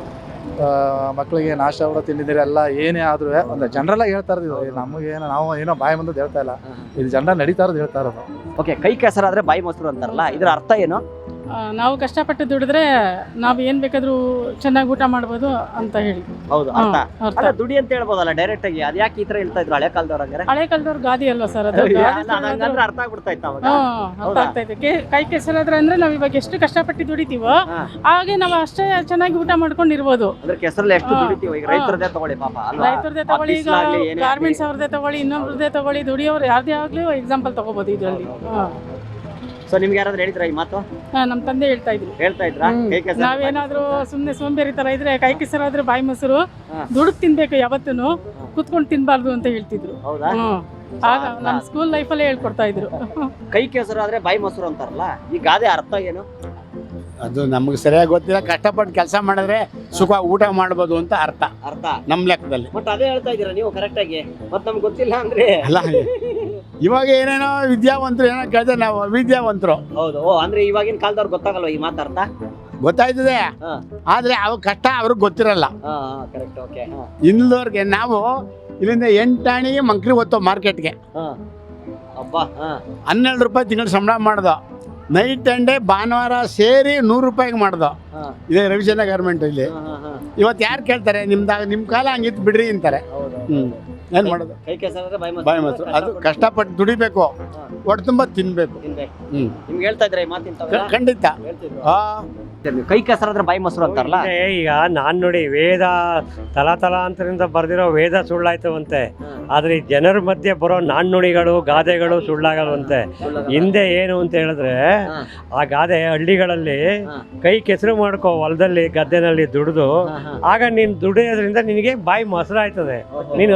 Speaker 7: ಮಕ್ಕಳಿಗೆ ನಾಷ್ಟ ಕೂಡ ತಿಂದಿದ್ದೀರಿ ಎಲ್ಲ ಏನೇ ಆದ್ರೂ ಒಂದು ಜನರಲ್ ಆಗಿ ಹೇಳ್ತಾ ಇರೋದು. ನಮಗೇನು ನಾವು ಏನೋ ಬಾಯಿ ಬಂದದ್ದು ಹೇಳ್ತಾ ಇಲ್ಲ, ಇದು ಜನರಲ್ ನಡೀತಾ ಇರೋದು ಹೇಳ್ತಾ ಇರೋದು.
Speaker 1: ಓಕೆ, ಕೈ ಕೆಸರಾದ್ರೆ ಬಾಯಿ ಮೊಸರು ಅಂತಾರಲ್ಲ, ಇದ್ರ ಅರ್ಥ ಏನು?
Speaker 10: ನಾವು ಕಷ್ಟಪಟ್ಟು ದುಡಿದ್ರೆ ನಾವು ಏನ್ ಬೇಕಾದ್ರೂ ಚೆನ್ನಾಗಿ ಊಟ ಮಾಡ್ಬೋದು ಅಂತ ಹೇಳಿ.
Speaker 1: ಹೌದು, ಅರ್ಥ. ಅಲ್ಲ, ದುಡಿ ಅಂತ ಹೇಳ್ಬೋದಲ್ಲ ಡೈರೆಕ್ಟ್ ಆಗಿ. ಅದ್ ಯಾಕೆ ಈ ತರ ಹೇಳ್ತಾ ಇದ್ರು ಹಳೆ ಕಾಲದವ್ರ? ಹಂಗಾರೆ
Speaker 10: ಹಳೆ ಕಾಲದವ್ರ ಗಾದಿ ಅಲ್ವಾ ಸರ್ ಅದು?
Speaker 1: ಅರ್ಥ ಆಗ್ಬಿಡ್ತಾ ಇತ್ತು ಅವಾಗ.
Speaker 10: ಅರ್ಥ ಆಗ್ತಾ ಇದೆ. ಕೈ ಕೆಸರಾದ್ರೆ ಅಂದ್ರೆ ನಾವ್ ಇವಾಗ ಎಷ್ಟು ಕಷ್ಟಪಟ್ಟು ದುಡಿತೀವೋ ಹಾಗೆ ನಾವು ಅಷ್ಟೇ ಚೆನ್ನಾಗಿ ಊಟ ಮಾಡ್ಕೊಂಡು ಇರ್ಬೋದು.
Speaker 1: ಅಂದ್ರೆ ಕೆಸರಲ್ಲಿ ಎಷ್ಟು ದುಡಿತೀವಿ ಈಗ? ರೈತರದೇ ತಗೊಳ್ಳಿ ಪಾಪ,
Speaker 10: ರೈತರದೇ ತಗೊಳ್ಳಿ, ಈಗ ಗಾರ್ಮೆಂಟ್ಸ್ ಅವ್ರದೇ ತಗೊಳ್ಳಿ, ಇನ್ನೊಬ್ರದೇ ತಗೊಳ್ಳಿ, ದುಡಿಯೋರು ಯಾರ್ದೇ ಆಗ್ಲಿ ಎಕ್ಸಾಂಪಲ್ ತಗೋಬಹುದು ಇದರಲ್ಲಿ.
Speaker 1: ಸೊ ನಿಮ್ಗೆ ಯಾರಾದ್ರೂ ಹೇಳಿದ್ರ ಈ ಮಾತು?
Speaker 10: ನಮ್ಮ ತಂದೆ ಹೇಳ್ತಾ ಇದ್ರು. ನಾವೇನಾದ್ರೂ ಸುಮ್ನೆ ಸೋಂಬೇರಿ ತರ ಇದ್ರೆ ಕೈ ಕೆಸರಾದ್ರೆ ಬಾಯಿ ಮೊಸರು, ದುಡುಕ್ ತಿನ್ಬೇಕು, ಯಾವತ್ತೂ ಕುತ್ಕೊಂಡು ತಿನ್ಬಾರ್ದು ಅಂತ ಹೇಳ್ತಿದ್ರು.
Speaker 1: ಹೌದಾ?
Speaker 10: ಆಗ ನಮ್ಮ ಸ್ಕೂಲ್ ಲೈಫಲ್ಲೇ ಹೇಳ್ಕೊಡ್ತಾ ಇದ್ರು.
Speaker 1: ಕೈ ಕೆಸರಾದ್ರೆ ಬಾಯಿ ಮೊಸರು ಅಂತಾರಲ್ಲ, ಈ ಗಾದೆ ಅರ್ಥ ಏನು?
Speaker 12: ಅದು ನಮ್ಗೆ ಸರಿಯಾಗಿ ಗೊತ್ತಿಲ್ಲ. ಕಷ್ಟಪಟ್ಟು ಕೆಲಸ ಮಾಡಿದ್ರೆ ಸುಖ ಊಟ ಮಾಡ್ಬೋದು ಅಂತ ಅರ್ಥ ನಮ್ಮ ಲೆಕ್ಕದಲ್ಲಿ.
Speaker 1: ಬಟ್ ಅದೇ ಹೇಳ್ತಾ ಇದೀರಾ ನೀವು ಕರೆಕ್ಟ್ ಆಗಿ. ಮತ್ತೆ ನಮ್ಗೆ ಗೊತ್ತಿಲ್ಲ ಅಂದ್ರೆ
Speaker 12: ಅಲ್ಲ, ಇವಾಗ ಏನೇನೋ ವಿದ್ಯಾವಂತರು ಏನೋ ಕೇಳಿದ್ರೆ ನಾವು ಅವಿದ್ಯಾವಂತರು.
Speaker 1: ಹೌದು, ಅಂದ್ರೆ ಇವಾಗಿನ ಕಾಲದವ್ರು ಗೊತ್ತಾಗಲ್ವ ಈ ಮಾತಾರ್ಥ?
Speaker 12: ಗೊತ್ತಾಯ್ತದೆ, ಆದ್ರೆ ಅವ್ರ ಕಷ್ಟ ಅವ್ರಿಗೆ ಗೊತ್ತಿರಲ್ಲ. ಇಲ್ಲದವ್ರಿಗೆ ನಾವು ಇಲ್ಲಿಂದ 8 ಆಣಿಗೆ ಮಂಕ್ರಿ ಹೊತ್ತೋ ಮಾರ್ಕೆಟ್ಗೆ 12 ರೂಪಾಯಿ ತಿಂಗಳು ಸಂಬಳ ಮಾಡ್ದೋ. ನೈಟ್ ಅಂಡ್ ಡೇ ಭಾನುವಾರ ಸೇರಿ 100 ರೂಪಾಯಿಗೆ ಮಾಡ್ದೋ. ಇದೇ ರವಿಚಂದ್ರ ಗಾರ್ಮೆಂಟ್ ಇಲ್ಲಿ. ಇವತ್ತು ಯಾರು ಕೇಳ್ತಾರೆ ನಿಮ್ ಕಾಲ ಹಂಗಿತ್ತು ಬಿಡ್ರಿ ಅಂತಾರೆ. ಏನ್ ಮಾಡೋದು? ಬಾಯಿ ಮೊಸರು. ಅದು ಕಷ್ಟಪಟ್ಟು ದುಡಿಬೇಕು, ಹೊಟ್ಟೆ ತುಂಬ ತಿನ್ಬೇಕು.
Speaker 1: ನಿಮ್ಗೆ ಹೇಳ್ತಾ ಇದ್ರೆ
Speaker 12: ಖಂಡಿತ.
Speaker 1: ಕೈ ಕೆಸರಾದ್ರೆ ಬಾಯಿ ಮೊಸರು ಅಂತಾರಲ್ಲ.
Speaker 13: ಈಗ ನಾನ್ ನೋಡಿ ವೇದ ತಲಾಂತರದಿಂದ ಬರ್ದಿರೋ ವೇದ ಸುಳ್ಳಾಯ್ತವಂತೆ, ಆದ್ರೆ ಈ ಜನರ ಮಧ್ಯೆ ಬರೋ ನಾಣ್ಣುಡಿಗಳು ಗಾದೆಗಳು ಸುಳ್ಳಾಗಲ್ವಂತೆ. ಹಿಂದೆ ಏನು ಅಂತ ಹೇಳಿದ್ರೆ, ಆ ಗಾದೆ ಹಳ್ಳಿಗಳಲ್ಲಿ ಕೈ ಕೆಸರು ಮಾಡ್ಕೋ ಹೊಲದಲ್ಲಿ ಗದ್ದೆನಲ್ಲಿ ದುಡಿದು, ಆಗ ನೀನ್ ದುಡಿಯೋದ್ರಿಂದ ನಿನಗೆ ಬಾಯಿ ಮೊಸರು ಆಯ್ತದೆ, ನೀನ್ ಅನುಕೂಲ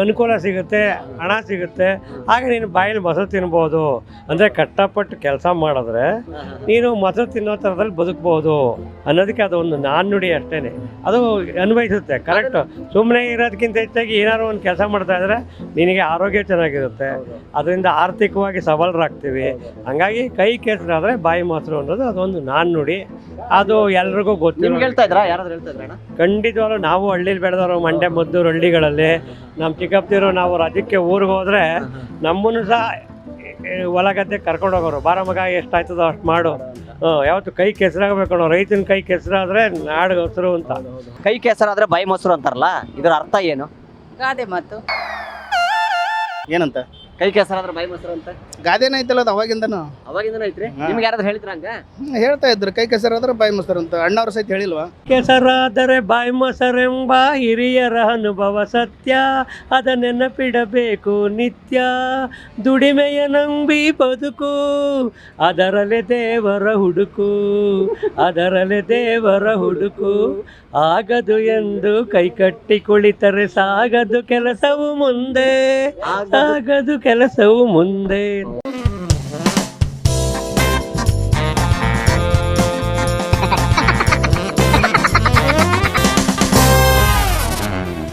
Speaker 13: ಸಿಗುತ್ತೆ, ಹಣ ಸಿಗುತ್ತೆ, ಆಗ ನೀನು ಬಾಯಲ್ಲಿ ಮೊಸರು ತಿನ್ಬೋದು. ಅಂದರೆ ಕಷ್ಟಪಟ್ಟು ಕೆಲಸ ಮಾಡಿದ್ರೆ ನೀನು ಮೊಸರು ತಿನ್ನೋ ಥರದಲ್ಲಿ ಬದುಕ್ಬೋದು ಅನ್ನೋದಕ್ಕೆ ಅದು ಒಂದು ನಾಣ್ಣುಡಿ ಅಷ್ಟೇ. ಅದು ಅನ್ವಯಿಸುತ್ತೆ ಕರೆಕ್ಟು. ಸುಮ್ಮನೆ ಇರೋದಕ್ಕಿಂತ ಹೆಚ್ಚಾಗಿ ಏನಾದ್ರು ಒಂದು ಕೆಲಸ ಮಾಡ್ತಾ ಇದ್ರೆ ನಿನಗೆ ಆರೋಗ್ಯ ಚೆನ್ನಾಗಿರುತ್ತೆ, ಅದರಿಂದ ಆರ್ಥಿಕವಾಗಿ ಸಬಲರಾಗ್ತೀವಿ. ಹಂಗಾಗಿ ಕೈ ಕೆಸರಾದರೆ ಬಾಯಿ ಮೊಸರು ಅನ್ನೋದು ಅದೊಂದು ನಾಣ್ಣುಡಿ. ಅದು ಎಲ್ರಿಗೂ ಗೊತ್ತಿಲ್ಲ.
Speaker 1: ಹೇಳ್ತಾ ಇದ್ರಾ, ಯಾರಾದ್ರೂ ಹೇಳ್ತಾ ಇದ್ರಣ್ಣ?
Speaker 13: ಖಂಡಿತವಾಗ್ಲೂ ನಾವು ಹಳ್ಳಿಲಿ ಬೆಳೆದವರು, ಮಂಡ್ಯ ಮದ್ದೂರು ಹಳ್ಳಿಗಳಲ್ಲಿ ನಮ್ಮ ಚಿಕ್ಕಪ್ಪದಿರು ನಾವು ರಜಕ್ಕೆ ಊರಿಗೆ ಹೋದರೆ ನಮ್ಮನ್ನು ಸಹ ಹೊಲ ಗದ್ದೆ ಕರ್ಕೊಂಡು ಹೋಗೋರು. ಬಾರ ಮಗ ಎಷ್ಟಾಯ್ತದೋ ಅಷ್ಟು ಮಾಡು, ಯಾವತ್ತು ಕೈ ಕೆಸರಾಗಬೇಕು, ರೈತನ ಕೈ ಕೆಸರಾದ್ರೆ ನಾಡಿಗೆ ಹಸಿರು ಅಂತ.
Speaker 1: ಕೈ ಕೆಸರಾದ್ರೆ ಬಾಯಿ ಮೊಸರು ಅಂತಾರಲ್ಲ, ಇದರ ಅರ್ಥ ಏನು?
Speaker 2: ಗಾದೆ ಮಾತು.
Speaker 3: ಏನಂತ
Speaker 1: ಕೈ ಕೆಸರಾದ್ರೆ ಬಾಯಿ ಮೊಸರು ಅಂತ
Speaker 3: ಗಾದೆನ ಐತಲ್ಲ ಅದು ಅವಾಗಿಂದನು.
Speaker 1: ಅವಾಗಿಂದನೂ ಐತ್ರಿ? ನಿಮ್ಗೆ ಯಾರಾದ್ರೂ ಹೇಳಿದ್ರ ಹಂಗ?
Speaker 3: ಹೇಳ್ತಾ ಇದ್ರು ಕೈ ಕೆಸರಾದ್ರೆ ಬಾಯಿ ಮೊಸರು ಅಂತ. ಅಣ್ಣವ್ರ ಸಹಿತ ಹೇಳಿಲ್ವಾ?
Speaker 13: ಕೆಸರಾದರೆ ಬಾಯಿ ಮೊಸರೆಂಬ ಹಿರಿಯರ ಅನುಭವ ಸತ್ಯ, ಅದ ನೆನಪಿಡಬೇಕು ನಿತ್ಯ. ದುಡಿಮೆಯ ನಂಬಿ ಬದುಕು, ಅದರಲ್ಲೇ ದೇವರ ಹುಡುಕು, ಅದರಲ್ಲೇ ದೇವರ ಹುಡುಕು. ಆಗದು ಎಂದು ಕೈಕಟ್ಟಿ ಕುಳಿತರೆ ಸಾಗದು ಕೆಲಸವು ಮುಂದೆ, ಸಾಗದು ಕೆಲಸವು ಮುಂದೆ.